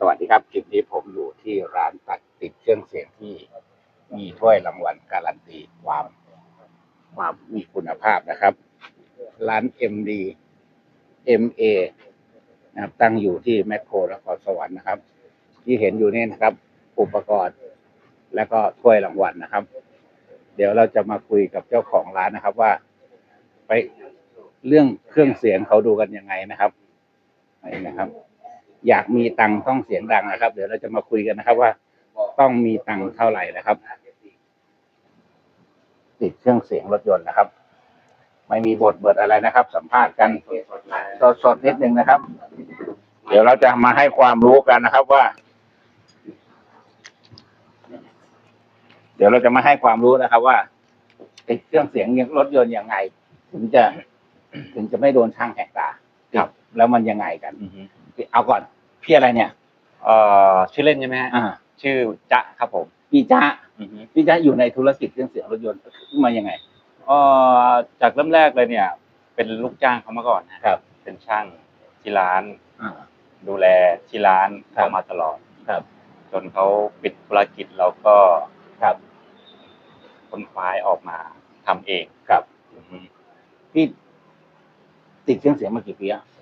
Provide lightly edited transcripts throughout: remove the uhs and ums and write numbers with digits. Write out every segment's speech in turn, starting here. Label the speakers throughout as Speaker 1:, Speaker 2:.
Speaker 1: วัสดีครับคลิปนี้ผมอยู่ที่ร้านตัดติดเครื่องเสียงที่มีถ้วยรางวัลการันตีความมีคุณภาพนะครับร้าน MA นะครับตั้งอยู่ที่แมคโครนครสวรรค์นะครับที่เห็นอยู่นี่นะครับอุปกรณ์และก็ถ้วยรางวัลนะครับเดี๋ยวเราจะมาคุยกับเจ้าของร้านนะครับว่าไปเรื่องเครื่องเสียงเขาดูกันยังไงนะครับนี่นะครับอยากมีตังค์ต้องเสียงดังนะครับเดี๋ยวเราจะมาคุยกันนะครับว่าต้องมีตังค์เท่าไหร่นะครับติดเครื่องเสียงรถยนต์นะครับไม่มีบทเบิดอะไรนะครับสัมภาษณ์กันสดนิดนึงนะครับเดี๋ยวเราจะมาให้ความรู้กันนะครับว่าเดี๋ยวเราจะมาให้ความรู้นะครับว่าติดเครื่องเสียงรถยนต์ยังไงถึงจะไม่โดนช่างแหกตาครับแล้วมันยังไงกันเอาก่อนพี่อะไรเนี่ย
Speaker 2: ชื่อเล่นใช่ไหมฮะชื่อจ๊ะครับผม
Speaker 1: พี่จ๊ะอยู่ในธุรกิจเครื่องเสียงรถยนต์มายังไง
Speaker 2: จากเริ่มแรกเลยเนี่ยเป็นลูกจ้างเขามาก่อน
Speaker 1: ครับ
Speaker 2: เป็นช่างที่ร้านดูแลที่ร้านเขามาตลอด
Speaker 1: ครับ
Speaker 2: จนเขาปิดธุรกิจเราก็
Speaker 1: ครับ
Speaker 2: คนคว้าออกมาทำเอง
Speaker 1: ครับพี่ติดเครื่องเสียงมากี่ปีอะ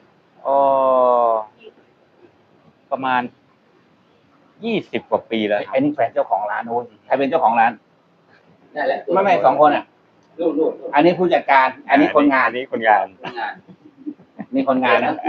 Speaker 2: ประมาณ20 กว่าปีแล้ว
Speaker 1: ไอ้นี่แฟนเจ้าของร้านโน้นใครเป็นเจ้าของร้านนั่นแหละไม่สองคนอ่ะอันนี้ผู้จัดการอันนี้คนงาน
Speaker 2: นี่คนงาน
Speaker 1: นี่คนงานนะ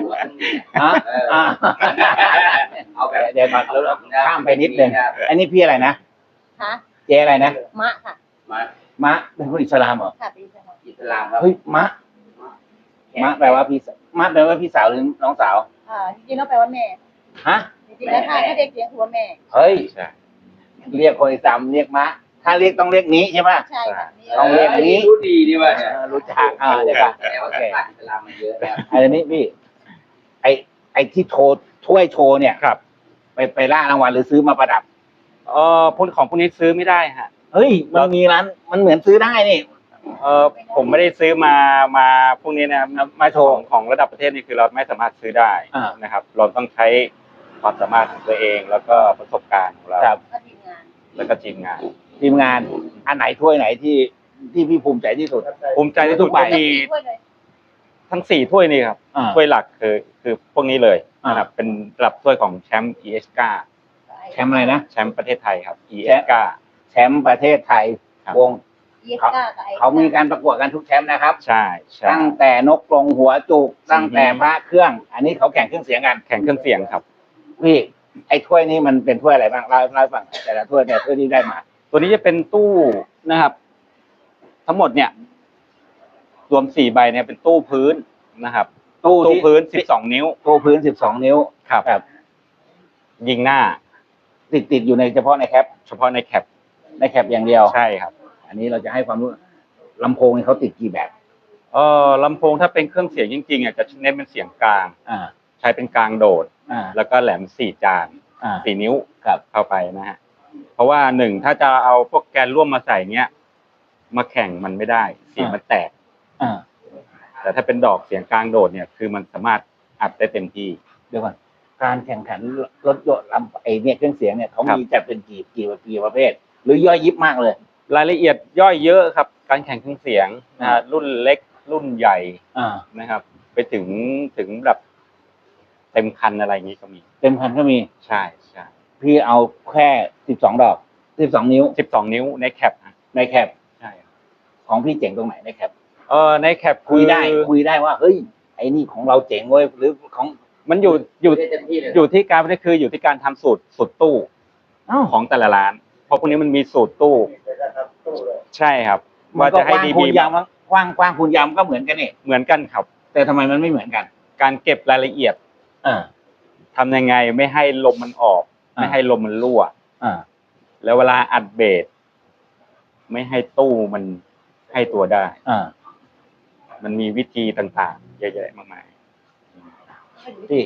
Speaker 1: เอาไปเดี๋ยวมาข้ามไปนิดนึงอันนี้พี่อะไรนะเจอะไรนะ
Speaker 3: มะค่ะ
Speaker 1: มะเป็นคนอิสลามเหรอ
Speaker 3: ค่ะเป็นอิ
Speaker 1: สลามครับเฮ้ยมะแปลว่าพี่สาวหรือน้องสาว
Speaker 3: จริงๆแล้วแปลว่าแม่
Speaker 1: ฮะ
Speaker 3: จริงๆแล้วถ้าเรียกเรียกคือว่าแม่
Speaker 1: เฮ้ยเรียกคนอิสลามเรียกมะถ้าเรียกต้องเรียกนี้ใช่ไหม
Speaker 3: ใช่ค่ะ
Speaker 1: ต้องเรียกนี้
Speaker 4: รู้ดีดีว่า
Speaker 1: รู้จักเดี๋ยวก่อน
Speaker 4: โอเคอิสลามมันเยอะแล้ว
Speaker 1: อันนี้พี่ไอที่ถ้วยโชว์เนี่ย
Speaker 2: ครับ
Speaker 1: ไปล่ารางวัลหรือซื้อมาประดับ
Speaker 2: พวกของพวกนี้ซื้อไม่ได้ฮะ
Speaker 1: เฮ้ยมันมีร้านมันเหมือนซื้อได้นี่
Speaker 2: ผมไม่ได้ซื้อมาพวกนี้นะมาโชว์ของระดับประเทศนี่คือเราไม่สามารถซื้อได้นะครับเราต้องใช้ความสามารถของตัวเองแล้วก็ประสบการณ์ของเราแล้วก็ทีมงาน
Speaker 1: อันไหนถ้วยไหนที่พี่ภูมิใจที่สุด
Speaker 2: ภูมิใจที่สุดก็มีทั้ง4ถ้วยนี่ครับถ้วยหลักคือพวกนี้เลยนะครับเป็นระดับถ้วยของแชมป์ESK
Speaker 1: แชมป์อะไรนะ
Speaker 2: แชมป์ประเทศไทยครับESK
Speaker 1: แชมป์ประเทศไทยวงเขามีการประกวดกันทุกแชมป์นะครับ
Speaker 2: ใช่
Speaker 1: ตั้งแต่นกกรงหัวจุกตั้งแต่พระเครื่องอันนี้เขาแข่งเครื่องเสียงกัน
Speaker 2: แข่งเครื่องเสียงครับ
Speaker 1: พี่ไอ้ถ้วยนี้มันเป็นถ้วยอะไรบ้างเล่าให้ฟังแต่ละถ้วยเนี่ยถ้วยที่ได้มา
Speaker 2: ตัวนี้จะเป็นตู้นะครับทั้งหมดเนี่ยรวม4 ใบเนี่ยเป็นตู้พื้นนะครับตู้พื้น12 นิ้ว
Speaker 1: ตู้พื้น12 นิ้ว
Speaker 2: ครับยิงหน้า
Speaker 1: ติดอยู่ในเฉพาะในแคปอย่างเดียว
Speaker 2: ใช่ครับ
Speaker 1: อันนี้เราจะให้ความรู้ลำโพงนี่เขาติดกี่แบบ
Speaker 2: ลำโพงถ้าเป็นเครื่องเสียงจริงๆจะเน้นเป็นเสียงกลางใช้เป็นกลางโดดแล้วก็แหลม4 จาน4 นิ้วเข้าไปนะฮะเพราะว่า1ถ้าจะเอาพวกแกนร่วมมาใส่เงี้ยมาแข่งมันไม่ได้เสียงมันแตกแต่ถ้าเป็นดอกเสียงกลางโดดเนี่ยคือมันสามารถอัดได้เต็มที่
Speaker 1: เดี๋ยวก่อนการแข่งขันรถยนต์เนี่ยเครื่องเสียงเนี่ยเขามีจะเป็นกี่ประเภทหรือย่อยยิบมากเลย
Speaker 2: รายละเอียดย่อยเยอะครับการแข่งเครื่องเสียงรุ่นเล็กรุ่นใหญ่นะครับไปถึงแบบเต็มคันอะไรอย่างนี้ก็มี
Speaker 1: เต็มคันก็มี
Speaker 2: ใช่
Speaker 1: พี่เอาแค่12 ดอก12 นิ้ว
Speaker 2: ในแคป
Speaker 1: ใช่ของพี่เจ๋งตรงไหนในแคป
Speaker 2: ในแคป
Speaker 1: คุยได้ว่าเฮ้ยไอ้นี่ของเราเจ๋งเว้ยหรือของ
Speaker 2: มันอยู่ที่การนี่คืออยู่ที่การทำสูตรตู้ของแต่ละร้านเพราะพวกนี้มันมีสูตรตู้ใช่ครับ
Speaker 1: ว่าจะให้ดีๆกว้างคูณยาวก็เหมือนกันนี่
Speaker 2: เหมือนกันครับ
Speaker 1: แต่ทำไมมันไม่เหมือนกัน
Speaker 2: การเก็บรายละเอียดทำยังไงไม่ให้ลมมันออกไม่ให้ลมมันรั่วแล้วเวลาอัดเบสไม่ให้ตู้มันให้ตัวได้มันมีวิธีต่างๆเยอะแยะมากมาย
Speaker 1: ที่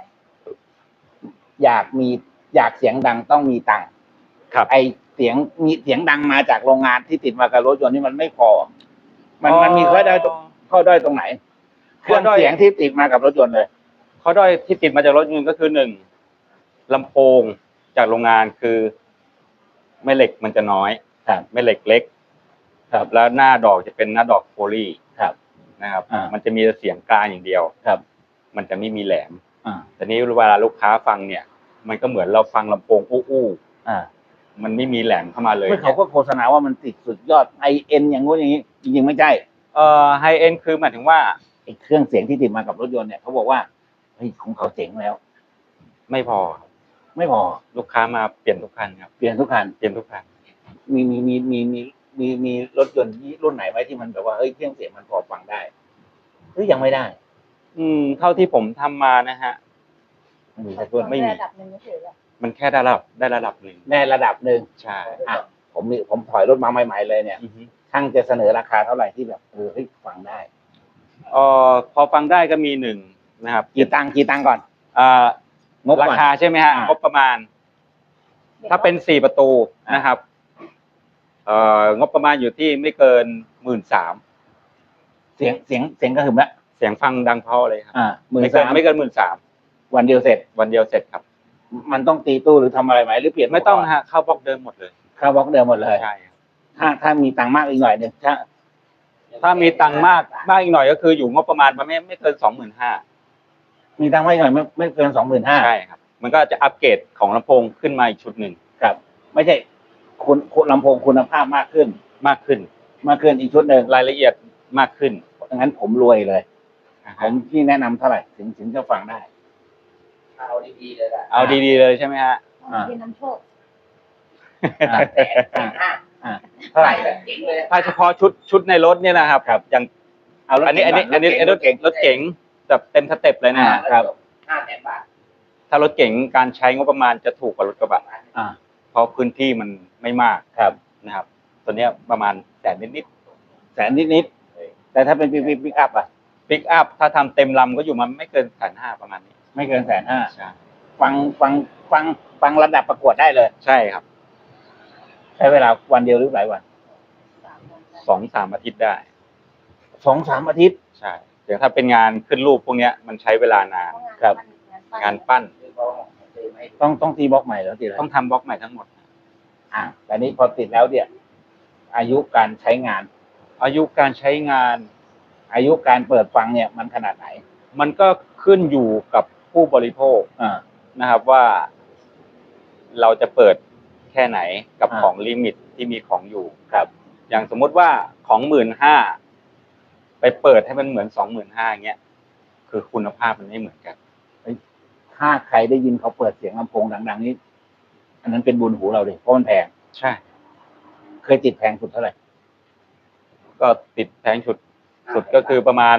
Speaker 1: อยากเสียงดังต้องมีตังค์ไอเสียงดังมาจากโรงงานที่ติดมากับรถยนต์นี่มันไม่พอมันมีข้อด้อยตรงไหนเครื่องเสียงที่ติดมากับรถยนต์เลย
Speaker 2: ข้อด้อยที่ติดมาจากรถยนต์ก็คือ1 ลำโพงจากโรงงานคือแม่เหล็กมันจะน้อย
Speaker 1: ครับ
Speaker 2: แม่เหล็กเล็ก
Speaker 1: ครับ
Speaker 2: แล้วหน้าดอกจะเป็นหน้าดอกโฟลี่
Speaker 1: ครับ
Speaker 2: นะครับ
Speaker 1: อ่ามั
Speaker 2: มันจะมีเสียงกลางอย่างเดียว
Speaker 1: ครับ
Speaker 2: มันจะไม่มีแหลม
Speaker 1: อ่า
Speaker 2: แต่นี้เวลาลูกค้าฟังเนี่ย มันก็เหมือนเราฟังลำโพงอู้
Speaker 1: อ่า
Speaker 2: ๆมันไม่มีแหลมเข้ามาเลย
Speaker 1: เมื่อเขาก็โฆษณาว่ามันติดสุดยอด IN อย่างงู้นอย่างนี้จริงๆไม่ใช่
Speaker 2: ไฮเอ็นคือหมายถึงว่า
Speaker 1: ไอ้เครื่องเสียงที่ติดมากับรถยนต์เนี่ยเขาบอกว่าเฮ้ยของเขาเจ๋งแล้ว
Speaker 2: ไม่พอ
Speaker 1: ไม่พอ
Speaker 2: ลูกค้ามาเปลี่ยนทุกคันครับ
Speaker 1: เปลี่ยนทุกคัน
Speaker 2: เปลี่ยนทุกคัน
Speaker 1: มีรถยนต์รุ่นไหนไหมที่มันแบบว่าเฮ้ยเครื่องเสียงมันพอฟังได้หรือยังไม่ได้
Speaker 2: เท่าที่ผมทำมานะฮะ
Speaker 1: ไม่มีสักรุ่น
Speaker 2: ไม่มี
Speaker 3: ระดับหนึ่งเฉยๆอะ
Speaker 2: มันแค่ได้ระดับหนึ่ง
Speaker 1: ในระดับหนึ่ง
Speaker 2: ใช่
Speaker 1: อ่ะผมถอยรถมาใหม่ๆเลยเนี่ย
Speaker 2: อือฮึ
Speaker 1: ช่างจะเสนอราคาเท่าไหร่ที่แบบเฮ้ยฟังได้
Speaker 2: พอฟังได้ก็มีหนึ่งนะครับ
Speaker 1: กี่ตังค์ก่อน งบก่อน
Speaker 2: ราคาใช่ไหมฮะ
Speaker 1: อ่าง
Speaker 2: งบประมาณ ถ้าเป็น4ประตูนะครับงบประมาณอยู่ที่ไม่เกิน 13,000
Speaker 1: เสียงก็หึมละ
Speaker 2: เสียงฟังดังเพราะเลยครับ
Speaker 1: 13,000
Speaker 2: ไม่เกิน 13,000
Speaker 1: วันเดียวเสร็จ
Speaker 2: วันเดียวเสร็จครับ
Speaker 1: มันต้องตีตู้หรือทำอะไรไหมหรือเปลี่ยน
Speaker 2: ไม่ต้องฮะเข้าบล็อกเดิมหมดเลย
Speaker 1: เข้าบล็อกเดิมหมดเลย
Speaker 2: ใช่ครับ
Speaker 1: ถ้ามีตังค์มากอีกหน่อยหนึง
Speaker 2: ถ้ามีตังค์มากอีกหน่อยก็คืออยู่งบประมาณไม่เกิน 25,000
Speaker 1: มีตังค์มากอีกหน่อยไม่เกิน25,000
Speaker 2: ใช่ครับ มันก็จะอัปเกรดของลำโพงขึ้นมาอีกชุดหนึ่ง
Speaker 1: ครับ ไม่ใช่คุณลำโพงคุณภาพมากขึ้น
Speaker 2: มากขึ้น
Speaker 1: อีกชุดหนึ่ง
Speaker 2: รายละเอียดมากขึ้น
Speaker 1: งั้นผมรวยเลย
Speaker 2: นะ
Speaker 1: ผ
Speaker 2: ฮะ
Speaker 1: มที่แนะนำเท่าไหร่ถึงจะฟังได้
Speaker 4: เอาดีๆเลยล่ะ
Speaker 2: เอาดีๆเลยใช่ไหมฮะ
Speaker 3: เป็นน้ำโชค
Speaker 1: อ่า
Speaker 4: ห้า
Speaker 1: เท่าไหร่
Speaker 4: เจ๋งเลย
Speaker 2: ถ้าเฉพาะชุดในรถเนี่ยนะครับ
Speaker 1: ครับ
Speaker 2: อย่าง
Speaker 1: เอารถ
Speaker 2: อันนี้รถเก๋งแบบเต็มสเต็ปเลยนะฮะ
Speaker 1: ครับ
Speaker 4: 500,000 บาท
Speaker 2: ถ้ารถเก๋งการใช้งบประมาณจะถูกกว่ารถกระบะ
Speaker 1: อ่า
Speaker 2: เพราะพื้นที่มันไม่มาก
Speaker 1: ครับ
Speaker 2: นะครับ ตัวเนี้ยประมาณแสนนิด
Speaker 1: แสนนิดๆแต่ถ้าเป็นปิกอัพอ่ะ
Speaker 2: ๆปิกอัพถ้าทำเต็มลำก็อยู่มาไม่เกิน150,000ประมาณนี้
Speaker 1: ไม่เกิน150,000
Speaker 2: ใช่
Speaker 1: ฟังระดับประกวดได้เลย
Speaker 2: ใช่ครับ
Speaker 1: ใช้เวลาวันเดียวหรือหลายวัน
Speaker 2: 2-3 อาทิตย์ได้
Speaker 1: 2-3 อาทิตย์
Speaker 2: ใช่อย่างถ้าเป็นงานขึ้นรูปพวกเนี้ยมันใช้เวลานาน
Speaker 1: ครับ
Speaker 2: งานปั้น
Speaker 1: ต้องตีบล็อกใหม่แล้วตีแล้ว
Speaker 2: ต้องทำบล็อกใหม่ทั้งหมด
Speaker 1: แต่นี้พอติดแล้วเนี่ยอายุการใช้งาน
Speaker 2: อายุการใช้งาน
Speaker 1: อายุการเปิดฟังเนี่ยมันขนาดไหน
Speaker 2: มันก็ขึ้นอยู่กับผู้บริโภค
Speaker 1: อ่า
Speaker 2: นะครับว่าเราจะเปิดแค่ไหนกับ
Speaker 1: อ่า
Speaker 2: ของลิมิตที่มีของอยู่
Speaker 1: ครับ
Speaker 2: อย่างสมมุติว่าของ15,000ไปเปิดให้มันเหมือน25,000อย่างเงี้ยคือคุณภาพมันไม่เหมือนกัน
Speaker 1: ถ้าใครได้ยินเขาเปิดเสียงลำโพงดังๆนี้อันนั้นเป็นบุญหูเราเลยเพราะมันแพง
Speaker 2: ใช่
Speaker 1: เคยติดแพงสุดเท่าไหร่
Speaker 2: ก็ติดแพงสุดก็คือประมาณ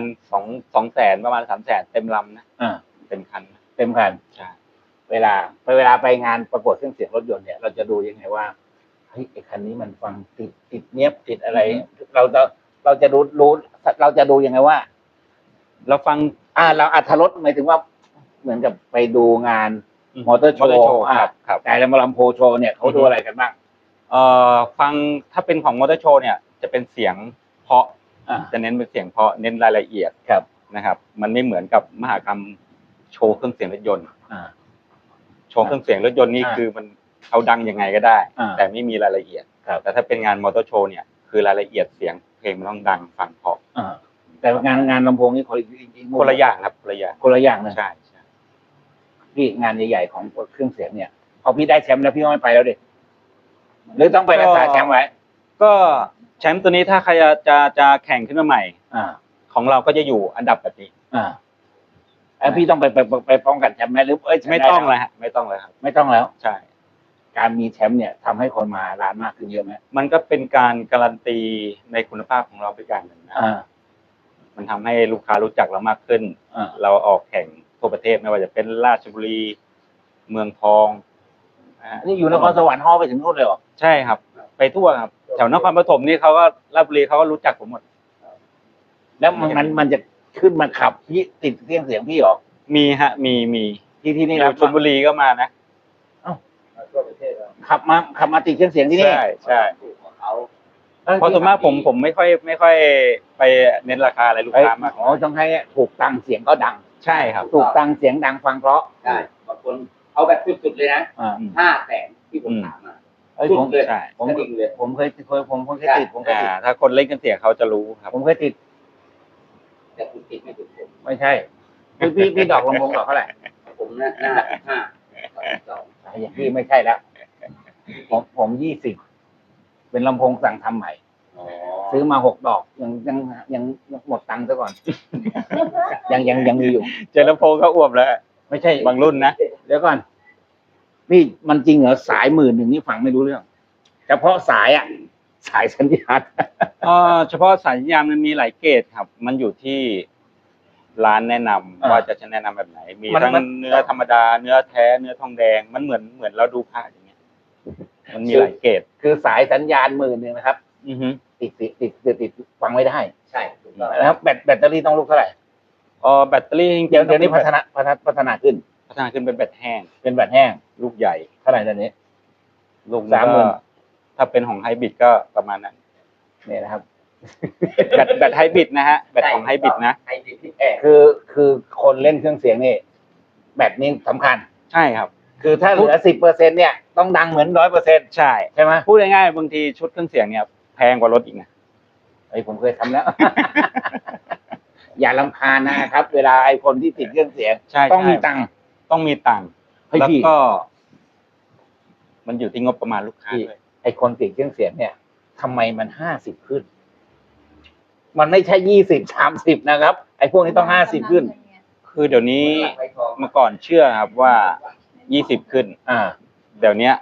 Speaker 2: 2แสนประมาณ3แสนเต็มลำนะ
Speaker 1: อ่า
Speaker 2: เต็มคันนะ
Speaker 1: เต็มคัน
Speaker 2: ใช่
Speaker 1: เวลาไปงานประกวดเครื่องเสียงรถยนต์เนี่ยเราจะดูยังไงว่าเฮ้ยไอ้คันนี้มันฟังติดเนี้ยบติดอะไร เราจะดูยังไงว่า
Speaker 2: เราฟัง
Speaker 1: เราอัธรสหมายถึงว่าเหมือนกับไปดูงานมอเตอร์โชว์
Speaker 2: ครับ
Speaker 1: แต่ลำโพงโชว์เนี่ยเขาดูอะไรกันบ้าง
Speaker 2: ฟังถ้าเป็นของมอเตอร์โชว์เนี่ยจะเป็นเสียงเพราะ
Speaker 1: อ่า
Speaker 2: จะเน้นเป็นเสียงเพราะเน้นรายละเอียด
Speaker 1: ครับ
Speaker 2: นะครับ มันไม่เหมือนกับมหกรรมโชว์เครื่องเสียงรถยนต์
Speaker 1: อ่า
Speaker 2: โชว์เครื่องเสียงรถยนต์นี่
Speaker 1: อ่า
Speaker 2: คือมันเอาดังยังไงก็ได้
Speaker 1: อ่า
Speaker 2: แต่ไม่มีรายละเอียด
Speaker 1: ครับ
Speaker 2: แต่ถ้าเป็นงานมอเตอร์โชว์เนี่ยคือรายละเอียดเสียงเพลงมันต้องดังฟังเพราะ
Speaker 1: แต่งานลำโพงนี่คนอีกมุม
Speaker 2: คนละอย่างครับคนละอย่าง
Speaker 1: คนละอย่างนะ
Speaker 2: ใช่ใช่
Speaker 1: พี่งานใหญ่ๆของเครื่องเสียงเนี่ยพอพี่ได้แชมป์แล้วพี่ก็ไม่ไปแล้วดิหรือต้องไปรักษาแชมป์ไว้
Speaker 2: ก็แชมป์ตัวนี้ถ้าใครจะแข่งขึ้นมาใหม่
Speaker 1: อ่า
Speaker 2: ของเราก็จะอยู่อันดับแบบนี้
Speaker 1: แล้วพี่ต้องไปป้องกันแชมป์ไหมหรือ
Speaker 2: ไม่ต้องเลยฮะไม่ต้องเลยครับ
Speaker 1: ไม่ต้องแล้ว
Speaker 2: ใช่
Speaker 1: การมีแชมป์เนี่ยทำให้คนมาร้านมากขึ้นเยอะไหม
Speaker 2: มันก็เป็นการการันตีในคุณภาพของเราไปอย่างหนึ่งนะ
Speaker 1: อ่า
Speaker 2: มันทำให้ลูกค้ารู้จักเรามากขึ้น
Speaker 1: อ่า
Speaker 2: เราออกแข่งทั่วประเทศไม่ว่าจะเป็นราชบุรี เมืองทองนะฮะ
Speaker 1: นี่อยู่นครสวรรค์ฮอไปถึงนู่นเลยเหรอ
Speaker 2: ใช่ครับ ไปทั่วครับแถวนครปฐมนี่เขาก็ราชบุรีเขาก็รู้จักผมหมด
Speaker 1: แล้วมันจะขึ้นมาขับพี่ติดเครื่องเสียงพี่เหรอ
Speaker 2: มีฮะมี
Speaker 1: ที่นี่
Speaker 2: อ
Speaker 1: รับ
Speaker 2: ยู่ชลบุรีก็มานะ
Speaker 4: ทั่วประเทศแล้ว
Speaker 1: ขับมาติดเครื่องเสียงที่นี่
Speaker 2: ใช่
Speaker 4: เขา
Speaker 2: เพราะส่วนมากผมไม่ค่อยไปเน้นราคาอะไรลูก
Speaker 1: เฮ้ย
Speaker 2: ค้ามาก
Speaker 1: อ๋อต้องให้ถูกตังค์เสียงก็ดัง
Speaker 2: ใช่ครับ
Speaker 1: ถูกตังค์เสียงดังฟังเพราะ
Speaker 4: ได้บางคนเอาแบบสุดๆเลยนะ 500,000ที่ผมถามมา
Speaker 1: เอ้ย
Speaker 4: สุ
Speaker 1: ผ
Speaker 4: ด
Speaker 1: ม
Speaker 4: เลย
Speaker 2: ใช่
Speaker 1: ผม
Speaker 4: กระดิ่งเลย
Speaker 1: ผมเคยติดผมเคยติด
Speaker 2: ถ้าคนเล่นเครื่องเสียงเขาจะรู้ครับ
Speaker 1: ผมเคยติด
Speaker 4: แต่คุณติดไม่ถึงผม
Speaker 1: ไม่ใช่พี่ดอกลำโพงดอกเท่าไหร่
Speaker 4: ผมหน้า12
Speaker 1: อย่างพี่ไม่ใช่แล้วผม20เป็นลำโพงสั่งทำใหม่
Speaker 4: อ๋อ
Speaker 1: ซื้อมา6 ดอกยังหมดตังค์ซะก่อน ยังมีอยู่
Speaker 2: เจอลำโพงเขาอ้วมแล้ว
Speaker 1: ไม่ใช่
Speaker 2: บางรุ่นนะ
Speaker 1: เดี๋ยวก่อนนี่มันจริงเหรอสาย10,000นี่ฟังไม่รู้เรื่องเฉพาะสายสายสัญญาณ
Speaker 2: เฉพาะสายสัญญาณมันมีหลายเกรดครับ มันอยู่ที่ร้านแนะนำว่าจะแนะนำแบบไหน มีทั้งเนื้อธรรมดา เนื้อแท้ เนื้อทองแดง มันเหมือนเราดูผ้าอย่างเงี้ย มันมีหลายเกรด
Speaker 1: คือสายสัญญาณ10,000นะครับ
Speaker 2: อือฮึ
Speaker 1: ติดฟังไม่ได้
Speaker 4: ใช่ถูกต้อง
Speaker 1: นะครับแบตเตอรี่ต้องลูกเท่าไหร่
Speaker 2: แบตเตอรี่จริงๆ
Speaker 1: เดี๋ยวนี้พัฒนาขึ้น
Speaker 2: พัฒนาขึ้นเป็นแบตแห้ง
Speaker 1: เป็นแบตแห้ง
Speaker 2: ลูกใหญ่
Speaker 1: เท่าไหร่ตอนนี้
Speaker 2: ลูก
Speaker 1: 30,000
Speaker 2: ถ้าเป็นของไฮบริดก็ประมาณนั้น
Speaker 1: เนี่ยนะครับ
Speaker 2: แบตไฮบริดนะฮะ แบตของไฮบริดนะ
Speaker 4: ไฮบริดที่แพง
Speaker 1: คือคนเล่นเครื่องเสียงนี่แบตนี้สำคัญ
Speaker 2: ใช่ครับ
Speaker 1: คือถ้าเหลือ10%เนี่ยต้องดังเหมือน100%
Speaker 2: ใช่
Speaker 1: ใช่ไหม
Speaker 2: พูดง่ายๆบางทีชุดเครื่องเสียงเนี่ยแพงกว่ารถอีกนะ
Speaker 1: ไอ้ผมเคยทำแล้ว อย่ารำคาญนะครับ เวลาไอ้คนที่ติดเครื่องเสียง
Speaker 2: ใช่
Speaker 1: ต้องมีตังค์
Speaker 2: ต้องมีตังค์
Speaker 1: ให้
Speaker 2: แล้ว
Speaker 1: พี่
Speaker 2: ก็ มันอยู่ที่งบประมาณลูกค้าด้วย
Speaker 1: ไอ้คนติดเครื่องเสียงเนี่ยทำไมมัน50ขึ้น มันไม่ใช่20-30นะครับ ไอ้พวกนี้ต้อง50ขึ้น
Speaker 2: คือเดี๋ยวนี้
Speaker 4: ไว้ทอง
Speaker 2: เมื่อก่อนเชื่อครับว่า20ขึ้น
Speaker 1: อ่า
Speaker 2: เดี๋ยวนี้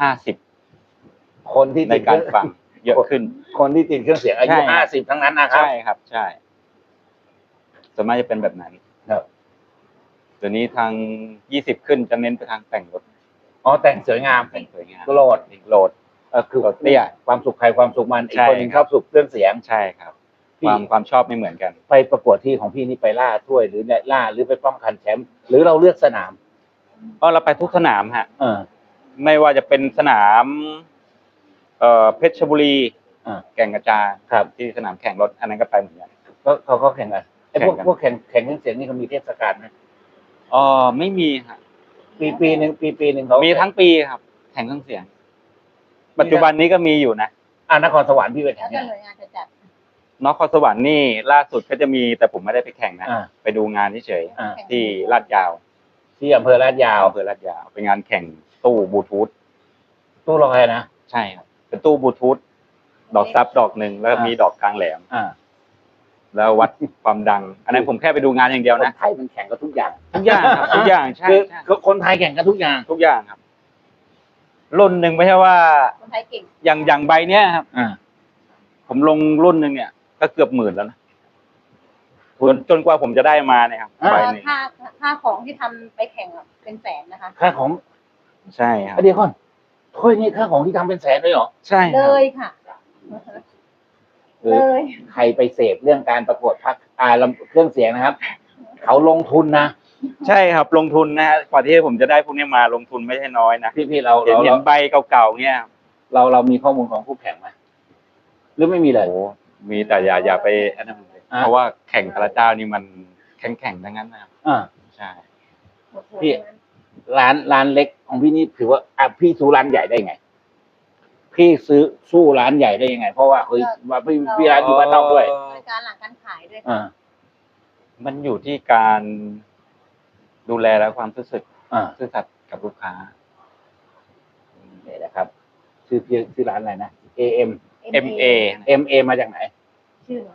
Speaker 2: 50
Speaker 1: คนที่
Speaker 2: ใน
Speaker 1: ติด
Speaker 2: การฟังเยอะขึ้น
Speaker 1: คนที่ติดเครื่องเสียงอายุ
Speaker 2: ใช่ครับ
Speaker 1: 50ทั้งนั้นนะครับ
Speaker 2: ใช่ครับ ใช่ส่วนมากจะเป็นแบบนั้น
Speaker 1: ครับ
Speaker 2: เดี๋ยวนี้ทาง20ขึ้นจะเน้นไปทางแต่งรถ
Speaker 1: อ๋อแต่งสวยงาม
Speaker 2: แต่งสวยงาม
Speaker 1: โหลด
Speaker 2: โหลด
Speaker 1: คือ
Speaker 2: โหลดเตี้ย
Speaker 1: ความสุขใครความสุขมันอีก
Speaker 2: ใช่
Speaker 1: คนหนึง
Speaker 2: ค
Speaker 1: ช
Speaker 2: รั
Speaker 1: อบ บสุขเครื่องเสียง
Speaker 2: ใช่ครับ
Speaker 1: พี่
Speaker 2: ความชอบไม่เหมือนกัน
Speaker 1: ไปประกวดที่ของพี่นี่ไปล่าถ้วยหรือล่าหรือไปป้องกันแชมป์หรือเราเลือกสนาม
Speaker 2: เราไปทุกสนามฮะ
Speaker 1: เออ
Speaker 2: ไม่ว่าจะเป็นสนาม เพชรบุรี
Speaker 1: อ่า
Speaker 2: แก่งกระจาน
Speaker 1: ครับ
Speaker 2: ที่สนามแข่งรถ อันนั้นก็ไปเหมือนกัน
Speaker 1: ก็เขาแข่งกันไอ้พวก
Speaker 2: แข่งกัน
Speaker 1: พวกแข่งเครื่องเสียงนี่เขามีเทศกาลไหม
Speaker 2: ไม่มีฮะ
Speaker 1: ปีหนึ่งเขา
Speaker 2: มีทั้งปีครับ แข่งเครื่องเสียง ปัจจุบันนี้ก็มีอยู่นะ
Speaker 1: นครสวรรค์พี่ไปแข่
Speaker 3: แล้
Speaker 1: ง
Speaker 3: ว
Speaker 1: เนี่ย
Speaker 3: แต่หน่วยงานจะจัด
Speaker 2: นครสวรรค์นี่ล่าสุดก็จะมีแต่ผมไม่ได้ไปแข่งนะ
Speaker 1: อ่า
Speaker 2: ไปดูงานเฉย
Speaker 1: อ่า
Speaker 2: ๆที่ลาดยาว
Speaker 1: ที่อำเภอลาดยาว
Speaker 2: อำเภอลาดยาวเป็นงานแข่งตู้บลูทูธ
Speaker 1: ตู้ลอยนะ
Speaker 2: ใช่ครับ เป็นตู้บลูทูธดอกซับดอกหนึ่งแล้วก็มีดอกกลางแหลม แล้ววัดความดัง อันนั้นผมแค่ไปดูงานอย่างเดียว
Speaker 1: คน
Speaker 2: นะ
Speaker 1: ไทยมันแข่งกันทุกอย่าง
Speaker 2: ทุกอย่างครับทุกอย่างใช่
Speaker 1: คือ
Speaker 2: ใช่
Speaker 1: คือคนไทยแข่งกันทุกอย่าง
Speaker 2: ทุกอย่างครับ รุ่นหนึ่งไม่ใช่ว่า
Speaker 3: คนไทยเก่ง
Speaker 2: อย่างใบเนี้ยครับ
Speaker 1: อ่า
Speaker 2: ผมลงรุ่นหนึ่งเนี่ย ก็เกือบ10,000แล้วนะจนกว่าผมจะได้มาเนี่ยครับใบหนึ่ง
Speaker 3: ค่าของที่ทำไปแข่งอะเป็นแสนนะคะ
Speaker 1: ค่าของ
Speaker 2: ใช่ครับ
Speaker 1: เดี๋ยวก่อนถ้วยนี่ค่าของที่ทำเป็นแสนเลยเหรอ
Speaker 2: ใช่ค
Speaker 3: เล
Speaker 2: รับ
Speaker 3: ยค่ะ เลย
Speaker 1: ใครไปเสพเรื่องการประกวดพักเครื่องเสียงนะครับ เขาลงทุนนะ
Speaker 2: ใช่ครับ ลงทุนนะฮะกว่าที่ผมจะได้พวกนี้มาลงทุนไม่ใช่น้อยนะ
Speaker 1: พี่เรา
Speaker 2: เห็นใบเก่าๆเนี่ย
Speaker 1: เรามีข้อมูลของผู้แข่งไหมหรือไม่มีเลย
Speaker 2: โอ้มีแต่อย่าไปอันนั้นเลย
Speaker 1: อ่า
Speaker 2: เพราะว่าแข่งแต่ละเจ้านี่มันแข่งทั้งนั้นนะครับ
Speaker 1: อ่า
Speaker 2: ใช่
Speaker 1: พี่ ร้านเล็กของพี่นี่ถือว่าพี่สู้ร้านใหญ่ได้ไง พี่สู้ร้านใหญ่ได้ยังไง เพราะว่าเฮ้ยว่าพี่ร้านอยู่บ้านนอกด้วย
Speaker 3: บริการหลังการขายด้วย
Speaker 1: อ่า
Speaker 2: มันอยู่ที่การดูแลและความซื่อสัตย์
Speaker 1: อ่า
Speaker 2: ซื่อสัตย์กับลูกค้า
Speaker 1: นี่นะครับชื่อร้านอะไรนะ AM
Speaker 2: MA
Speaker 1: MA มาจากไหน
Speaker 3: ชื่อเหรอ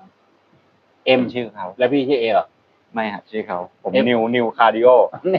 Speaker 1: M
Speaker 2: ชื่อเขา
Speaker 1: แล้วพี่ชื่อ A เหรอ
Speaker 2: ไม่ฮะชื่อเขาผม
Speaker 1: M
Speaker 2: นิวคาร์ดิโอ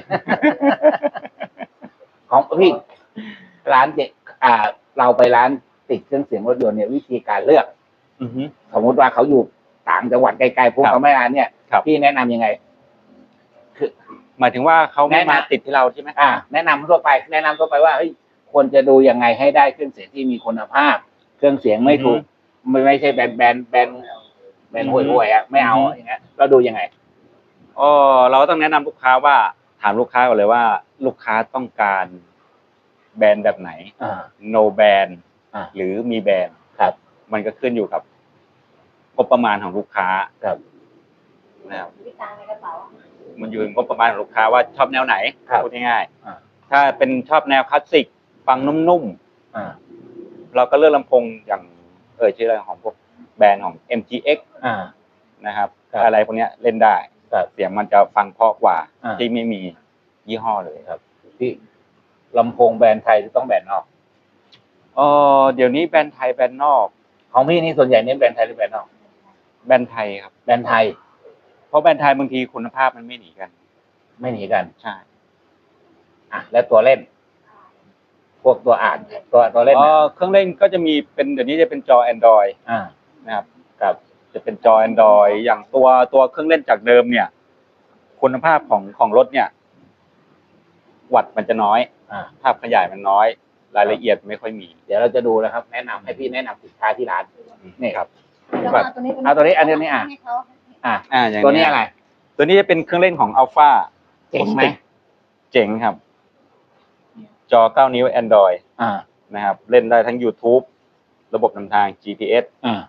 Speaker 1: ของพี่ร้านเด็กเราไปร้านติดเครื่องเสียงรถยนต์เนี่ยวิธีการเลือก
Speaker 2: อือฮึ
Speaker 1: สมมติว่าเขาอยู่ต่างจังหวัดไกลๆพวก
Speaker 2: ครับ
Speaker 1: เขาไม่ร้านเนี่ย
Speaker 2: ครับ
Speaker 1: พี่แนะนำยังไง
Speaker 2: หมายถึงว่าเขาไม่
Speaker 1: แนะนำ
Speaker 2: มาติดที่เราใช่ไหม
Speaker 1: แนะนำทั่วไปว่าเฮ้ยควรจะดูยังไงให้ได้เครื่องเสียงที่มีคุณภาพ เครื่องเสียงไม่ถูกไม่ใช่แบนห่วยๆไม่เอาอย่างเงี้ยเราดูยังไง
Speaker 2: เราต้องแนะนำลูกค้าว่าถามลูกค้าก่อนเลยว่า ลูกค้าต้องการแบรนด์แบบไหน no แบรนด์
Speaker 1: อ่า
Speaker 2: หรือมีแบรนด์
Speaker 1: ครับ
Speaker 2: มันก็ขึ้นอยู่กับงบประมาณของลูกค้า
Speaker 1: ครับ
Speaker 2: นะครับ
Speaker 3: วิจารในกระเป๋า
Speaker 2: มันอยู่กับงบประมาณของลูกค้าว่าชอบแนวไหน
Speaker 1: ครับ
Speaker 2: พูดง่าย
Speaker 1: อ่า
Speaker 2: ๆถ้าเป็นชอบแนวคลาสสิกฟังนุ่ม
Speaker 1: อ่า
Speaker 2: ๆเราก็เลือกลำโพงอย่างชื่ออะไรของพวกแบรนด์ของ MTX
Speaker 1: อ่า
Speaker 2: นะครับ
Speaker 1: ครับ
Speaker 2: อะไรพวกเนี้ยเล่นได้
Speaker 1: ครับ
Speaker 2: เสียงมันจะฟังเพราะกว่า
Speaker 1: อ่า
Speaker 2: ที่ไม่มียี่ห้อเลยครับ
Speaker 1: ที่ลำโพงแบรนด์ไทยหรือต้องแบรนด์นอก
Speaker 2: เดี๋ยวนี้แบรนด์ไทยแบรนด์นอก
Speaker 1: ของพี่นี่ส่วนใหญ่เน้นแบรนด์ไทยหรือแบรนด์นอก
Speaker 2: แบรนด์ไทยครับ
Speaker 1: แบรนด์ไทย
Speaker 2: เพราะแบรนด์ไทยบางทีคุณภาพมันไม่หนีกัน
Speaker 1: ไม่หนีกัน
Speaker 2: ใช่
Speaker 1: อ่ะแล้วตัวเล่น พวกตัวอ่านตัวเล่นนะ
Speaker 2: เครื่องเล่นก็จะมีเป็นเดี๋ยวนี้จะเป็นจอ Android
Speaker 1: อ่า
Speaker 2: นะครับกับจะเป็นจอ Android อย่างตัวเครื่องเล่นจากเดิมเนี่ย คุณภาพของรถเนี่ย วัตต์มันจะน้อย
Speaker 1: อ่า
Speaker 2: ภาพขยายมันน้อย รายละเอียดไม่ค่อยมี
Speaker 1: เดี๋ยวเราจะดูนะครับ แนะนำให้พี่แนะนำสินค้าที่ร้านนี่ครับ
Speaker 3: แล้ว
Speaker 1: แบบ
Speaker 3: เอาตัวนี้
Speaker 1: เอาตัวนี้อันนี้อ่ะ
Speaker 3: ให้เขา
Speaker 1: อ่ะ
Speaker 2: อย่าง
Speaker 1: ตัวนี้อะไร
Speaker 2: ตัวนี้จะเป็นเครื่องเล่นของ Alpha
Speaker 1: เจ๋งไหม
Speaker 2: เจ๋งครับ จอ 9 นิ้ว Android
Speaker 1: อ่า
Speaker 2: นะครับ เล่นได้ทั้ง YouTube ระบบนำทาง GPS
Speaker 1: อ่า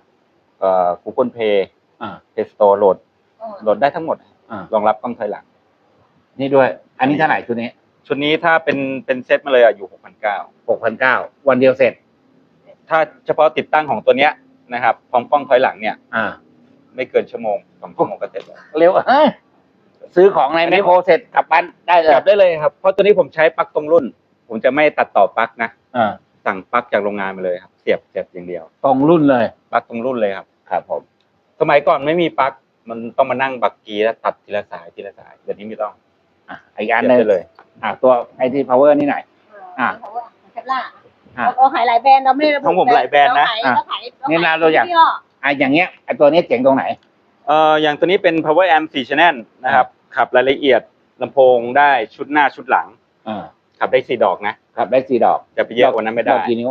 Speaker 2: Google Play
Speaker 1: อ่า
Speaker 2: Play Store โหลดได้ทั้งหมด
Speaker 1: อ่าร
Speaker 2: องรับกล้องถอยหลัง
Speaker 1: นี่ด้วย อันนี้เท่าไหร่ชุดนี้
Speaker 2: ชุดนี้ถ้าเป็นเซตมาเลยอยู่ 6,900
Speaker 1: 6,900วันเดียวเสร็จ
Speaker 2: ถ้าเฉพาะติดตั้งของตัวเนี้ยนะครับพร้อมกล้องถอยหลังเนี่ย
Speaker 1: อ่า
Speaker 2: ไม่เกินชั่วโมง2 ชั่วโมงก็เสร็จแล้ว
Speaker 1: เร็วซื้อของในแมคโครเสร็จกลับบ้านได้เลย
Speaker 2: กลับได้เลยครับ เพราะตัวนี้ผมใช้ปลั๊กตรงรุ่น ผมจะไม่ตัดต่อปลั๊กนะ
Speaker 1: อ่า
Speaker 2: สั่งปลั๊กจากโรงงานมาเลยครับ เสียบอย่างเดียว
Speaker 1: ตรงรุ่นเลย
Speaker 2: ปลั๊กตรงรุ่นเลยครับ
Speaker 1: ครับผม
Speaker 2: สมัยก่อนไม่มีปลั๊กมันต้องมานั่งบักกีแล้วตัดทีละสายเดี๋ยวนี้ไม่ต้อง
Speaker 1: อ่ะอีกอันหนึง
Speaker 2: เสียบได้เลย
Speaker 1: ตัวไอทีพาวเวอร์นี่หน่อย อ่ะ
Speaker 3: เทปล่า
Speaker 1: อ่ะ
Speaker 3: เราขายหลายแบรนด์เราไม่ได้ระบุ
Speaker 2: ของผมหลายแบรนด์นะ
Speaker 3: เราขาย
Speaker 1: นี่นะตัวอย่าง
Speaker 3: ยี่ห้
Speaker 1: อย่างเงี้ยไอตัวนี้เจ๋งตรงไหน
Speaker 2: อย่างตัวนี้เป็น power amp 4 channel นะครับ ขับรายละเอียดลำโพงได้ชุดหน้าชุดหลัง
Speaker 1: อ่า
Speaker 2: ขับได้4 ดอกนะ
Speaker 1: ครับได้4 ดอก
Speaker 2: จะไปเยอะกว่านั้นไม่ได้
Speaker 1: ดอกกี่นิ้ว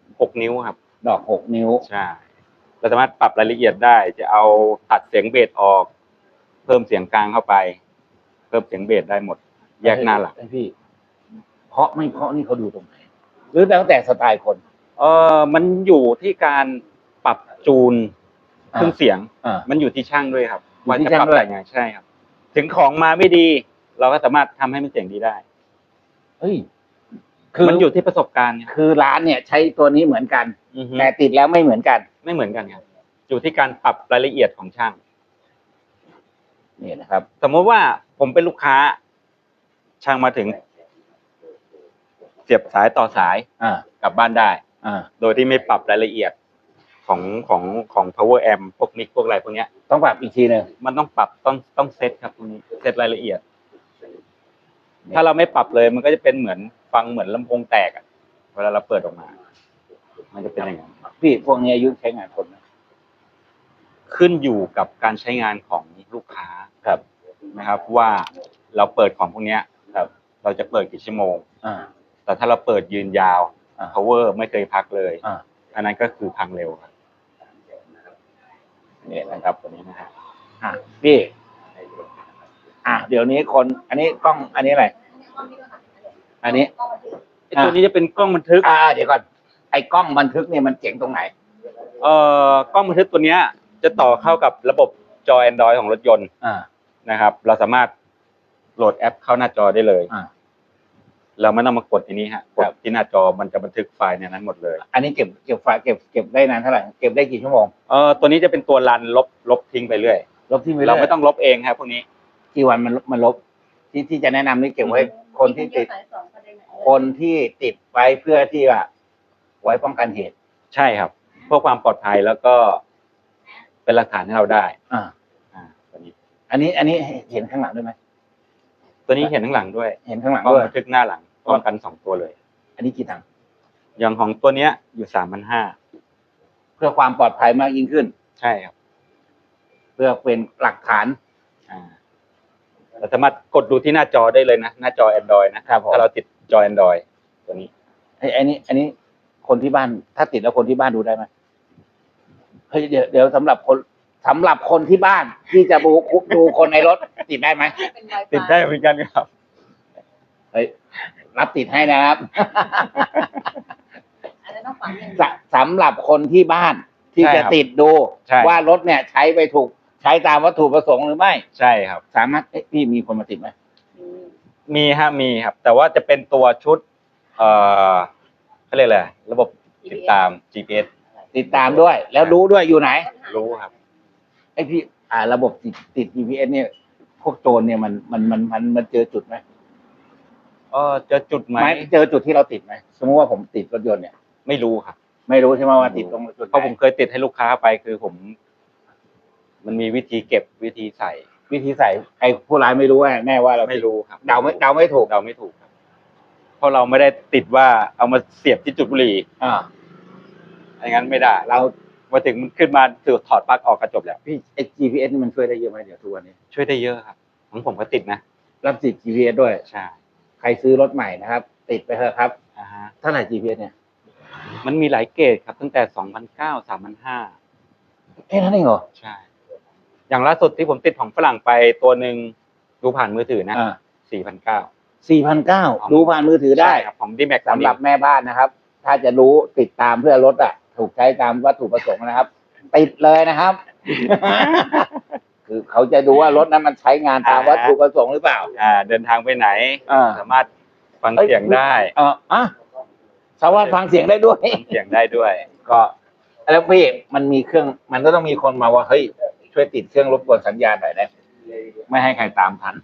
Speaker 2: 6 นิ้วครับ
Speaker 1: ดอก6 นิ้ว
Speaker 2: ใช่เราสามารถปรับรายละเอียดได้ จะเอาตัดเสียงเบสออก เพิ่มเสียงกลางเข้าไป เพิ่มเสียงเบสได้หมด แยกหน้าหลัง
Speaker 1: ให้พี่ เพราะไม่เพราะนี่เขาดูตรงไหน หรือแล้วแต่สไตล์คน
Speaker 2: มันอยู่ที่การปรับจูนเครื่องเสียง
Speaker 1: อ่า
Speaker 2: มันอยู่ที่ช่างด้วยครับ
Speaker 1: อยู่
Speaker 2: ว่า
Speaker 1: ที่
Speaker 2: จะ
Speaker 1: ช่าง
Speaker 2: ปรับ
Speaker 1: ด้วย
Speaker 2: อะไรไงใช่ครับ ถึงของมาไม่ดี เราก็สามารถทำให้มันเสียงดีได้
Speaker 1: เฮ้ย
Speaker 2: มันอยู่ที่ประสบการณ์ครับ
Speaker 1: คือร้านเนี่ยใช้ตัวนี้เหมือนกัน
Speaker 2: อือฮึ
Speaker 1: แต่ติดแล้วไม่เหมือนกัน
Speaker 2: ไม่เหมือนกันครับ อยู่ที่การปรับรายละเอียดของช่าง
Speaker 1: นี่นะครับ
Speaker 2: สมมติว่าผมเป็นลูกค้า ช่างมาถึง เสียบสายต่อสาย
Speaker 1: อ่าก
Speaker 2: ลับบ้านได้
Speaker 1: อ่า
Speaker 2: โดยที่ไม่ปรับรายละเอียดของ power amp พวกมิกพวกอะไรพวกเนี้ย
Speaker 1: ต้องปรับอีกทีหนึ่ง
Speaker 2: มันต้องปรับต้องเซตครับตรงนี้เซตรายละเอียด ถ้าเราไม่ปรับเลยมันก็จะเป็นเหมือนฟังเหมือนลำโพงแตกอะเวลาเราเปิดออกมา มันจะเป็นอย่างนั้น
Speaker 1: พี่พวกนี้อายุใช้งานคนนะ
Speaker 2: ขึ้นอยู่กับการใช้งานของลูกค้า
Speaker 1: ครับ
Speaker 2: นะครับ ว่าเราเปิดของพวกเนี้ย
Speaker 1: ครับ
Speaker 2: เราจะเปิดกี่ชั่วโมง
Speaker 1: อ่า
Speaker 2: แต่ถ้าเราเปิดยืนยาว
Speaker 1: อ่า
Speaker 2: power ไม่เคยพักเลย
Speaker 1: อ่า
Speaker 2: อันนั้นก็คือพังเร็วครับ
Speaker 1: เนี่ยนะครับ
Speaker 2: ตัวนี้นะฮะ
Speaker 1: อ่ะพี่ เดี๋ยวนี้คน อันนี้กล้อง อันนี้อะไร อันนี้
Speaker 2: ไอ้ตัวนี้จะเป็นกล้องบันทึก
Speaker 1: เดี๋ยวก่อน ไอ้กล้องบันทึกเนี่ยมันเจ๋งตรงไหน
Speaker 2: กล้องบันทึกตัวเนี้ย จะต่อเข้ากับระบบจอ Android ของรถยนต์
Speaker 1: อ่า
Speaker 2: นะครับ เราสามารถโหลดแอปเข้าหน้าจอได้เลย
Speaker 1: อ่า
Speaker 2: เราไม่ต้องมากดที่นี้ฮะก
Speaker 1: ค
Speaker 2: ด
Speaker 1: รับ
Speaker 2: ที่หน้าจอมันจะบันทึกไฟล์ในนั้นหมดเลย
Speaker 1: อันนี้เก็บไฟล์เก็บได้นานเท่าไหร่ เก็บได้กี่ชั่วโมง
Speaker 2: ตัวนี้จะเป็นตัวรันลบทิ้งไปเรื่อย
Speaker 1: ลบที่ไม่
Speaker 2: เราไม่ต้องลบเองครับพวกนี้
Speaker 1: กี่วันมันลบ ที่จะแนะนำนี่เก็บไว้ คนที่ติด คนที่ติดไว้เพื่อที่ว่าไว้ป้องกันเหตุ
Speaker 2: ใช่ครับเพื่อความปลอดภัยแล้วก็เป็นหลักฐานให้เราได้
Speaker 1: อ่า
Speaker 2: ตัวนี้
Speaker 1: อันนี้เห็นข้างหลังด้วยไหม
Speaker 2: ตัวนี้เห็นข้างหลังด้วย
Speaker 1: เห็นข้างหลัง
Speaker 2: กล้อง
Speaker 1: ด้วย
Speaker 2: บันทึกหน้าหลังป้องกัน2 ตัวเลย
Speaker 1: อันนี้กี่ตังค์
Speaker 2: อย่างของตัวเนี้ยอยู่ 3,500
Speaker 1: เพื่อความปลอดภัยมากยิ่งขึ้น
Speaker 2: ใช่ครับ
Speaker 1: เพื่อเป็นหลักฐาน
Speaker 2: เราสามารถกดดูที่หน้าจอได้เลยนะหน้าจอ Android นะครับ
Speaker 1: ผม
Speaker 2: ถ้าเราติดจอ Android ตัวนี้
Speaker 1: อันนี้คนที่บ้าน ถ้าติดแล้วคนที่บ้านดูได้ไหมเฮ้ยเดี๋ยวสำหรับคนที่บ้านที่จะดูคนในรถติดได้ไหม
Speaker 3: เป็น Wi-Fi
Speaker 2: ติดได้เหมือนกันครับ
Speaker 1: เฮ้ยรับติดให้นะครับ
Speaker 3: อันนั้นต้องฝังอย่าง
Speaker 1: สำหรับคนที่บ้านที่
Speaker 2: ใช่
Speaker 1: จะ
Speaker 2: ครับ
Speaker 1: ติดดู
Speaker 2: ใช่
Speaker 1: ว่ารถเนี่ยใช้ไปถูกใช้ตามวัตถุประสงค์หรือไม่
Speaker 2: ใช่ครับ
Speaker 1: สามารถพี่มีคนมาติดไหม
Speaker 2: มีครับ แต่ว่าจะเป็นตัวชุดเขาเรียกอะไรระบบติดตาม GPS
Speaker 1: ติดตามด้วย แล้วรู้ด้วยอยู่ไหน
Speaker 2: รู้ครับ
Speaker 1: ไอพี่ระบบติด GPS เนี่ย พวกโจรเนี่ยมันเจอจุดไหม
Speaker 2: เจอจุดไหม
Speaker 1: ไม่เจอจุดที่เราติดไหมสมมติว่าผมติดรถยนต์เนี่ย
Speaker 2: ไม่รู้ครับ
Speaker 1: ไม่รู้ใช่ไหมว่าติดตรงจุดไหน
Speaker 2: เพราะผมเคยติดให้ลูกค้าไปคือผม มันมีวิธีเก็บวิธีใส่
Speaker 1: วิธีใส่ไอ้ผู้ร้ายไม่รู้แน่ว่าเรา
Speaker 2: ไม่รู้ครับ
Speaker 1: เดาไม่ถูก
Speaker 2: เดาไม่ถูกครับ เพราะเราไม่ได้ติดว่าเอามาเสียบที่จุดบุหรี่ อย่างนั้นไม่ได้
Speaker 1: เรา
Speaker 2: มาถึงมันขึ้นมาถือถอดปลั๊กออกกระจบแล้ว
Speaker 1: พี่ไอ้ GPS นี่มันช่วยได้เยอะไหมเดี๋ยวทุกวันนี้
Speaker 2: ช่วยได้เยอะครับของผมก็ติดนะ
Speaker 1: รับติด GPS ด้วย
Speaker 2: ใช่
Speaker 1: ใครซื้อรถใหม่นะครับ ติดไปเถอะครับ
Speaker 2: ฮะ
Speaker 1: เท่าไหร่ GPS เนี่ย
Speaker 2: มันมีหลายเกรดครับ ตั้งแต่2,900 3,500
Speaker 1: แค่นั้นเองเหรอ
Speaker 2: ใช่ อย่างล่าสุดที่ผมติดของฝรั่งไปตัวหนึ่งดูผ่านมือถือนะ 4,900
Speaker 1: 4,900ดูผ่านมือถือได้
Speaker 2: ใช่ครับของดีแม็ก
Speaker 1: สำหรับแม่บ้านนะครับ ถ้าจะรู้ติดตามเพื่อรถถูกใช้ตามวัตถุประสงค์นะครับ ติดเลยนะครับ คือเขาจะดูว่ารถนั้นมันใช้งานตามวัตถุประสงค์หรือเปล่า
Speaker 2: เดินทางไปไหน สามารถฟังเสียงได้
Speaker 1: สามารถฟังเสียงได้ด้วย
Speaker 2: ฟังเสียงได้ด้วย
Speaker 1: ก็แล้วพี่มันมีเครื่อง มันก็ต้องมีคนมาว่าเฮ้ยช่วยติดเครื่องรบกวนสัญญาณหน่อยได้ไหมไม่ให้ใครตามทัน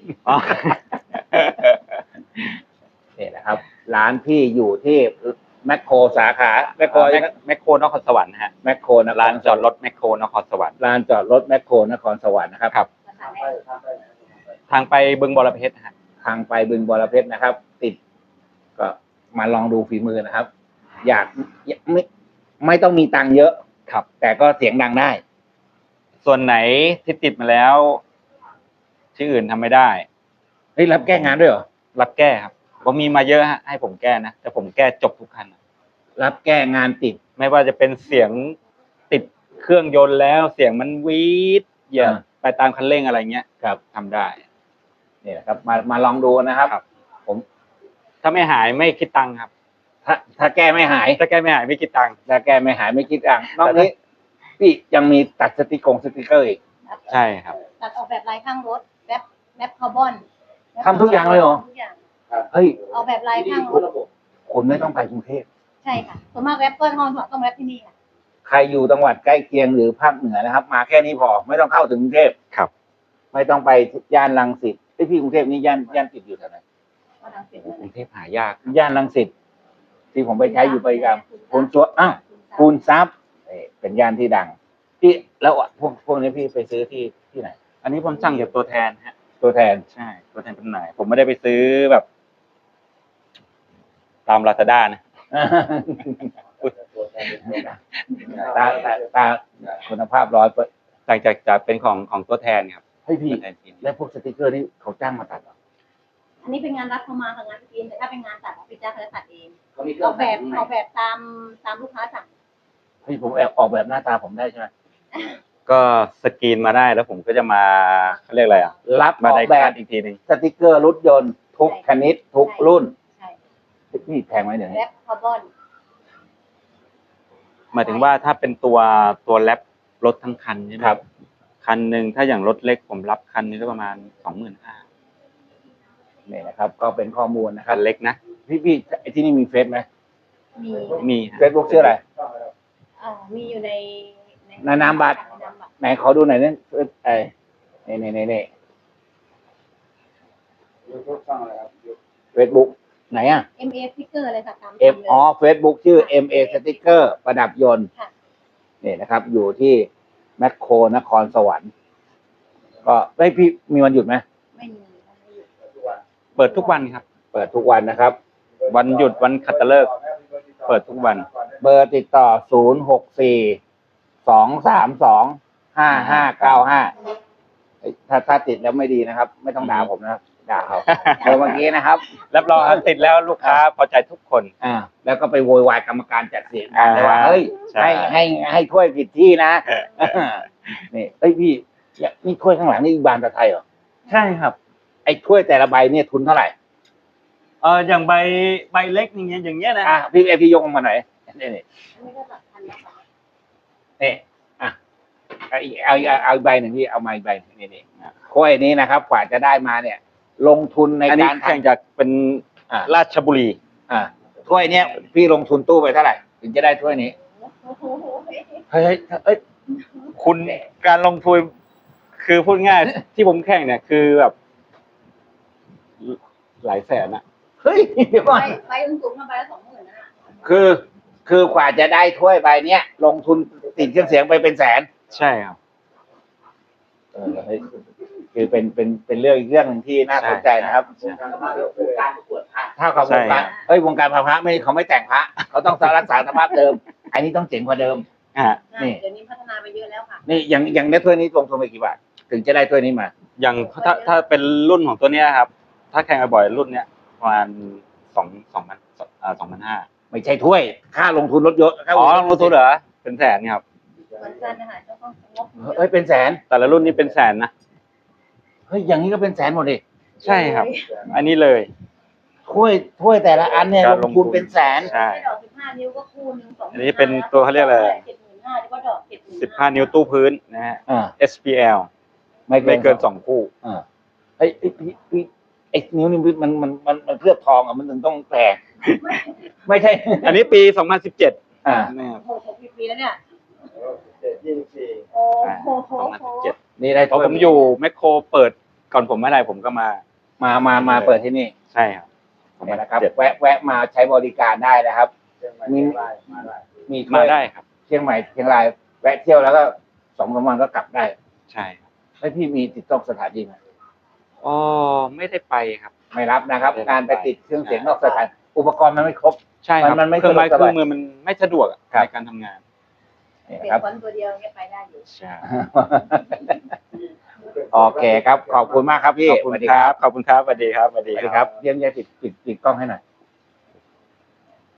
Speaker 1: นี่นะครับ ร้านพี่อยู่ที่แมคโครสาขาแมคโคร
Speaker 2: แมคโครนครสวรรค์นะฮะ
Speaker 1: แมคโครนะ
Speaker 2: ร้านจอดรถแมคโครนครสวรรค์
Speaker 1: ลานจอดรถแมคโครนครสวรรค์นะครับ
Speaker 2: ครับ ทางไปบึงบรเพชรฮะ
Speaker 1: ทางไปบึงบรเพชรนะครับ ติด ก็มาลองดูฝีมือนะครับ อยากไม่ต้องมีตังค์เยอะ
Speaker 2: ครับ
Speaker 1: แต่ก็เสียงดังได้
Speaker 2: ส่วนไหนที่ติดมาแล้ว ที่อื่นทำไม่ได้
Speaker 1: เฮ้ยรับแก้งานด้วยเหรอ
Speaker 2: รับแก้ครับผมมีมาเยอะฮะให้ผมแก้นะแต่ผมแก้จบทุกคัน
Speaker 1: รับแก้งานติด
Speaker 2: ไม่ว่าจะเป็นเสียงติดเครื่องยนต์แล้วเสียงมันวีดเหยียบไปตามคันเร่งอะไรเงี้ย
Speaker 1: ครับ
Speaker 2: ทำได้
Speaker 1: นี่แหละครับ มาลองดูนะครับ
Speaker 2: ครับ
Speaker 1: ผม
Speaker 2: ถ้าไม่หายไม่คิดตังค์ครับ
Speaker 1: ถ้าแก้ไม่หาย
Speaker 2: ถ้าแก้ไม่หายไม่คิดตังค์
Speaker 1: ถ้าแก้ไม่หายไม่คิดตังค์นอกนี้พี่ยังมีตัดสติกเกอร์อีก
Speaker 2: ใช่ครับ
Speaker 3: ตัดออกแบบลายข้างรถแรปคาร์บอน
Speaker 1: ทำทุกอย่างเลยเหรอ
Speaker 3: ทุกอย่าง
Speaker 1: เฮ้ย
Speaker 3: ออกแบบลายข้างรถ
Speaker 1: คุณไม่ต้องไปกรุงเทพ
Speaker 3: ใช่ค่ะส่วนมากแรปก็ต้องแรปที่นี่ค่ะ
Speaker 1: ใครอยู่จังหวัดใกล้เคียงหรือภาคเหนือนะครับ มาแค่นี้พอไม่ต้องเข้าถึงกรุงเทพ
Speaker 2: ครับ
Speaker 1: ไม่ต้องไปย่านรังสิตไอยพี่กรุงเทพนี่ย่านติดอยู่แถวไหน
Speaker 3: ก็ทางเสร็จ
Speaker 2: กรุงเทพหายาก
Speaker 1: ย่านรังสิตที่ผมไปใช้อยู่ประจำคุณชัวคูณทรัพย์เป็นย่านที่ดังพี่แล้วพวกนี้พี่ไปซื้อที่ไหน
Speaker 2: อันนี้ผมสั่งจากตัวแทนฮะ
Speaker 1: ตัวแทน
Speaker 2: ใช่ ตัวแทนจำหน่ายผมไม่ได้ไปซื้อแบบ ตามลาซาด้านะ
Speaker 1: ตาคุณภาพ100%
Speaker 2: สั่งจากเป็นของตัวแทนครับ
Speaker 1: ให้พี่
Speaker 2: ตัวแทนจีน
Speaker 1: แล้วพวกสติกเกอร์นี่เขาจ้างมาตัดเหรอ
Speaker 3: อันนี้เป็นงานรับเข้ามากับงานจีนแต่ถ้าเป็นงานตัดพี่จ้าเขาจะตัดเอง
Speaker 4: เขามีเค
Speaker 3: อ
Speaker 4: รื่อ
Speaker 3: อง กแบบตามลูกค้าสั่ง
Speaker 1: เฮ้ยผมแอบออกแบบหน้าตาผมได้ใช่ไหม
Speaker 2: ก็สกรีนมาได้แล้วผมก็จะมาเขาเรียกอะไรอ่ะ
Speaker 1: รับอ
Speaker 2: มา
Speaker 1: อก
Speaker 2: ได้
Speaker 1: แบ
Speaker 2: คั
Speaker 1: บ
Speaker 2: ดอีกทีหนึ่ง
Speaker 1: สติกเกอร์รถยนต์ทุกชนิดทุกรุ่น
Speaker 3: ใช่
Speaker 1: นี่แพงไหมเดี๋ยว
Speaker 3: แร
Speaker 1: นี้
Speaker 3: ปคาร์บอน
Speaker 2: หมายถึงว่าถ้าเป็นตัวแรปรถทั้งคันใช่ไหม
Speaker 1: ครับ
Speaker 2: คันหนึ่งถ้าอย่างรถเล็กผมรับคันนี้ก็ประมาณ 25,000
Speaker 1: นี่นะครับ ก็เป็นข้อมูลนะค
Speaker 2: คั
Speaker 1: รับ
Speaker 2: นเล็กนะ
Speaker 1: พี่ไอ้ที่นี่มีเฟซไหม
Speaker 3: มี
Speaker 2: มี
Speaker 1: เฟซบุ๊กชื่ออะไร
Speaker 3: มีอยู่ใน
Speaker 1: ในนามบัตร
Speaker 3: ในนามบัตร
Speaker 1: ไหนขอดูหน่อยนี่นี่เฟซบุ๊กไหนอ่ะ
Speaker 3: MA สติ๊กเกอร์อะไรค่ะตาม
Speaker 1: เฟซบุ๊กชื่อ MA สติกเกอร์ประดับยนต์
Speaker 3: ค่ะ
Speaker 1: นี่นะครับ อยู่ที่แมคโครนครสวรรค์ ก็ได้พี่มีวันหยุดไหม
Speaker 3: ไม่มี
Speaker 2: เปิดทุกวันครับ
Speaker 1: เปิดทุกวันนะครับ
Speaker 2: วันหยุดวันคัตฤกษ์เปิดทุกวัน
Speaker 1: เบอร์ติดต่อ 064-232-5595 ถ้าติดแล้วไม่ดีนะครับ ไม่ต้องด่าผมนะครับ ด่าเขาเบอร์เมื่อกี้นะครับ
Speaker 2: รับรองติดแล้วลูกค้าพอใจทุกคน
Speaker 1: แล้วก็ไปโวยวายกรรมการจัดเสียงเลยว่า
Speaker 2: อ่า
Speaker 1: เฮ้ย
Speaker 2: ใช่
Speaker 1: ให้ถ้วยผิดที่นะ นี่เอ้ยพี่นี่ถ้วยข้างหลังนี่บานตะไทยเหรอ
Speaker 2: ใช่ครับ
Speaker 1: ไอ้ถ้วยแต่ละใบเนี่ยทุนเท่าไหร่
Speaker 2: อย่างใบเล็กอย่างเงี้ยนะ
Speaker 1: พี่ยกออกมาหน่อยนี่
Speaker 3: อันนี้ก็หลักพันนะคะ
Speaker 1: นี่เอาอีกใบหนึ่งพี่เอามาอีกใบหนึ่งนี่ถ้วยนี้นะครับกว่าจะได้มาเนี่ยลงทุนใน
Speaker 2: อันนี้
Speaker 1: การ
Speaker 2: แข่งจากเป็น
Speaker 1: อ่า
Speaker 2: ราชบุรี
Speaker 1: ถ้วยเนี้ยพี่ลงทุนตู้ไปเท่าไหร่ถึงจะได้ถ้วยนี้
Speaker 3: โอ้โห
Speaker 1: เฮ้ยเอ้ย
Speaker 2: คุณการลงทุนคือพูดง่าย ที่ผมแข่งเนี่ยคือแบบหลายแสนอะ
Speaker 1: เฮ้ยเดี๋ยวก่อน
Speaker 3: ไปสูงๆมาไปละ20,000นะ
Speaker 1: คือกว่าจะได้ถ้วยใบเนี้ยลงทุนติดเครื่องเสียงไปเป็นแสน
Speaker 2: ใช่ครับ
Speaker 1: เฮ้ยคือเป็นเรื่องอีกเรื่องหนึ่งที่น่าสนใจนะครับ
Speaker 2: ใช่
Speaker 4: การประกวดพระ
Speaker 1: ถ้ากับวงการวงการพระไม่เขาไม่แต่งพระเขาต้องรักษาสภาพเดิม อันนี้ต้องเจ๋งกว่าเดิม
Speaker 2: อ่า
Speaker 1: นี่
Speaker 3: เดี๋ยวนี้พัฒนาไปเยอะแล้วค่ะ
Speaker 1: นี่อย่างได้ถ้วยนี้ลงทุนไปกี่บาทถึงจะได้ถ้วยนี้มา
Speaker 2: อย่างถ้าเป็นรุ่นของตัวเนี้ยครับ ถ้าแข่งบ่อยๆรุ่นเนี้ยประมาณ2,500
Speaker 1: ไม่ใช่ถ้วย ค่าลงทุนรถยนต์
Speaker 2: อ๋อลงทุนเหรอเป็นแสนครับ
Speaker 3: เหมือนกันนะคะเจ้าต้องงบ
Speaker 1: เฮ้ยเป็นแสน
Speaker 2: แต่ละรุ่นนี้เป็นแสนนะ
Speaker 1: เฮ้ยอย่างนี้ก็เป็นแสนหมดดิ
Speaker 2: ใช่ครับ อันนี้เลย
Speaker 1: ถ้วยแต่ละอันเนี่ย
Speaker 2: การ
Speaker 1: ลงทุนเป็นแสน
Speaker 2: ใช่
Speaker 3: ดอก15 นิ้วก็คู่หนึ่ง2,500
Speaker 2: อันนี้เป็นตัวเขาเรียกอะไร
Speaker 3: 75,000แล้วก็ดอก75,000
Speaker 2: 15 นิ้วตู้พื้นนะฮะ
Speaker 1: อ่า
Speaker 2: SPL ไม่เกิน2 คู่
Speaker 1: อ่าไอ้พี่ไอ้นิ้วนี่มันเคลือบทองอ่ะมันถึงต้องแตกไม่ใช่
Speaker 2: อันนี้ปี 2017
Speaker 1: อ่า
Speaker 2: นะครับ
Speaker 3: โอ้โห6 ปีแล้วเนี่ย
Speaker 4: 24
Speaker 3: โอ้โห
Speaker 2: 2017
Speaker 1: นี่ได้
Speaker 2: เพราะผมอยู่แมคโครเปิดก่อนผมไม่ได้ผมก็มา
Speaker 1: มาเปิดที่นี่
Speaker 2: ใช่ครับ
Speaker 1: เนี่ยนะครับแวะมาใช้บริการได้นะครับ มีถ้
Speaker 2: มา
Speaker 1: วย
Speaker 2: ได้ครับ
Speaker 1: เชียงใหม่เชียงรายแวะเที่ยวแล้วก็2-3 วันก็กลับได้
Speaker 2: ใช่ครับ
Speaker 1: แล้วพี่มีติดต้องสถานที่ไหม
Speaker 2: อ๋อไม่ได้ไปครับ
Speaker 1: ไม่รับนะครับ
Speaker 2: ไม่รับ
Speaker 1: การไปติดเครื่องเสียงนอกสถานอุปกรณ์มันไม่ครบ
Speaker 2: ใช่ครับ
Speaker 1: มันไม่
Speaker 2: เครื่องไม้
Speaker 1: สะดวก
Speaker 2: เครื่องมือมันไม่สะดวกอะ
Speaker 1: ครับ
Speaker 2: ในการทำงาน
Speaker 1: นี่
Speaker 3: เป
Speaker 1: นะ
Speaker 3: ลี่ย
Speaker 1: คน รับ
Speaker 3: คนตัวเดียวเนี่ยไปได้อยู่
Speaker 2: ใช่
Speaker 1: โอเคครับ ขอบคุณมากครับพี่
Speaker 2: ขอบคุณครับ ขอบคุณครับสวัสดีครับสวัส
Speaker 1: ส
Speaker 2: ดี
Speaker 1: วัส
Speaker 2: ค
Speaker 1: ดี
Speaker 2: รับ
Speaker 1: ครับเยี่ยมเยี่ยมปิดกล้องให้หน่อย